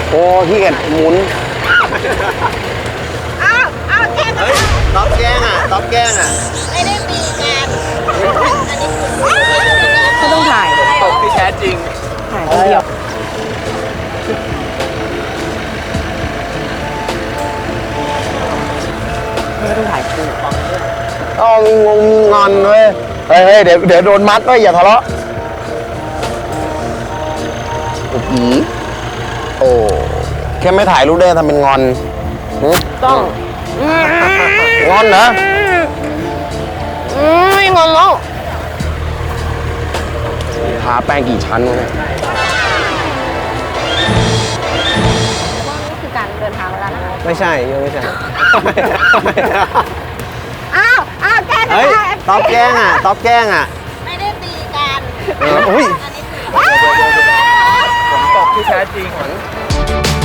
โอ้ขี้เกียจหมุนเอาแกงเฮ้ยต๊อบแกล้งอ่ะต๊อบแกล้งอ่ะไม่ได้ตีกันอันนี้ไม่ต้องถ่ายตบที่แท้จริงถ่ายคนเดียวไม่ต้องถ่ายคู่ต้องมีงงมีงอนเว้ยเฮ้ยเดี๋ยวโดนมัดด้วยอย่าทะเลาะอีโอ้แค่ไม่ถ่ายรูปได้ทำเป็นงอนหึต้องงอนเหรอไม่งอนแล้วทาแป้งกี่ชั้นวะเนี่ยนี่คือการเดินทางแล้วนะคะไม่ใช่ยังไม่ใช่เอาแกงเฮ้ยต๊อบแกล้งอ่ะต๊อบแกล้งอ่ะไม่ได้ตีกันอุ้ยอันนี้ผมตบที่แท้จริงหวัง